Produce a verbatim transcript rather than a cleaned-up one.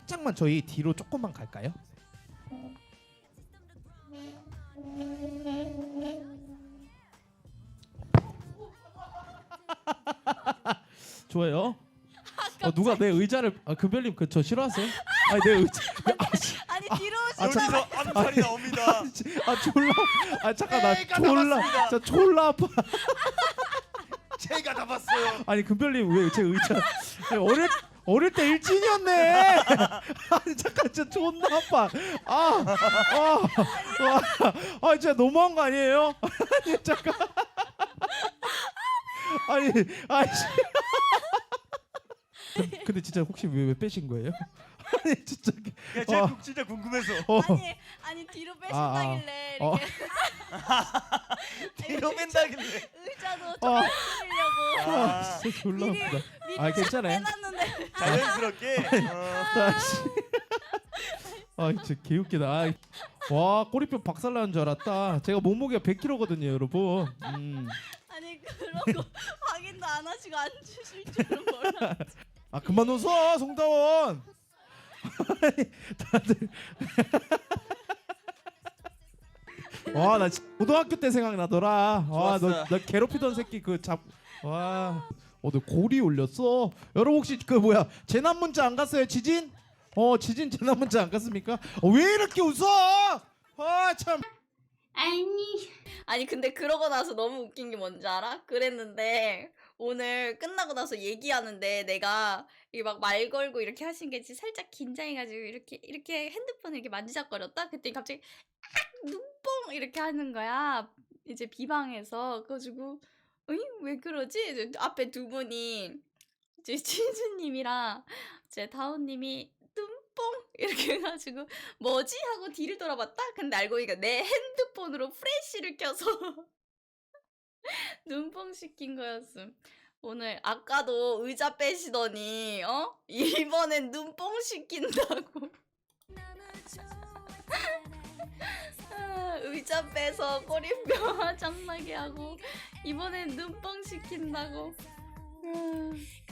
살짝만 저희 뒤로 조금만 갈까요? 좋아요. 어, 누가 내 의자를 아 금별님 그 저 싫어하세요? 아니 내 의자 아, 씨. 아니 뒤로 아, 오시면 자- 여기서 암살이 나옵니다. 아 졸라 아 잠깐 나 내가 졸라 잡았습니다. 저 졸라 아파. 제가 다 봤어요. 아니 금별님 왜 제 의자 아니, 어릴 어릴 때 일진이었네. 아니 잠깐 진짜 존나 아파. 아, 아, 아, 아 진짜 너무한 거 아니에요? 아니 잠깐. 아니, 아씨. 근데 진짜 혹시 왜, 왜 빼신 거예요? 아니 진짜. 그냥 제가 어. 국- 진짜 궁금해서. 어, 아니 아니 뒤로 빼신다길래 어. 이렇게 뒤로 뺀다길래. 의자도 어. 좀 풀리려고 아, 진짜 졸라 미리 아프다. 미리 아 괜찮아요. 빼놨는데 자연스럽게. 어. 다시. 아 진짜 개웃기다. 아, 와 꼬리뼈 박살나는 줄 알았다. 제가 몸무게가 백 킬로그램거든요 여러분. 음. 아니 그러고 확인도 안 하시고 안 주실 줄은 몰라. 아 그만 웃어 송다원. 아니, 다들. 와 나 고등학교 때 생각나더라. 와너 좋았어. 나 괴롭히던 새끼 그 잡. 와. 어 너 고리 올렸어? 여러분 혹시 그 뭐야 재난 문자 안 갔어요 지진? 어 지진 재난 문자 안 갔습니까? 어, 왜 이렇게 웃어? 아 참. 아니 아니 근데 그러고 나서 너무 웃긴 게 뭔지 알아? 그랬는데 오늘 끝나고 나서 얘기하는데 내가 이게 막 말 걸고 이렇게 하신 게 진짜 살짝 긴장해가지고 이렇게 이렇게 핸드폰을 이렇게 만지작거렸다? 그랬더니 갑자기 악! 눈뽕 이렇게 하는 거야. 이제 비방에서. 그래가지고 어이? 왜 그러지? 이제 앞에 두 분이 이제 치즈님이랑 제 다운님이 눈뽕 이렇게 해가지고 뭐지? 하고 뒤를 돌아봤다? 근데 알고 보니까 내 핸드폰으로 프레쉬를 켜서 눈뽕 시킨 거였음. 오늘 아까도 의자 빼시더니 어? 이번엔 눈뽕 시킨다고. 아, 의자 빼서 꼬리뼈 화장나게 하고 이번엔 눈뽕 시킨다고. 음.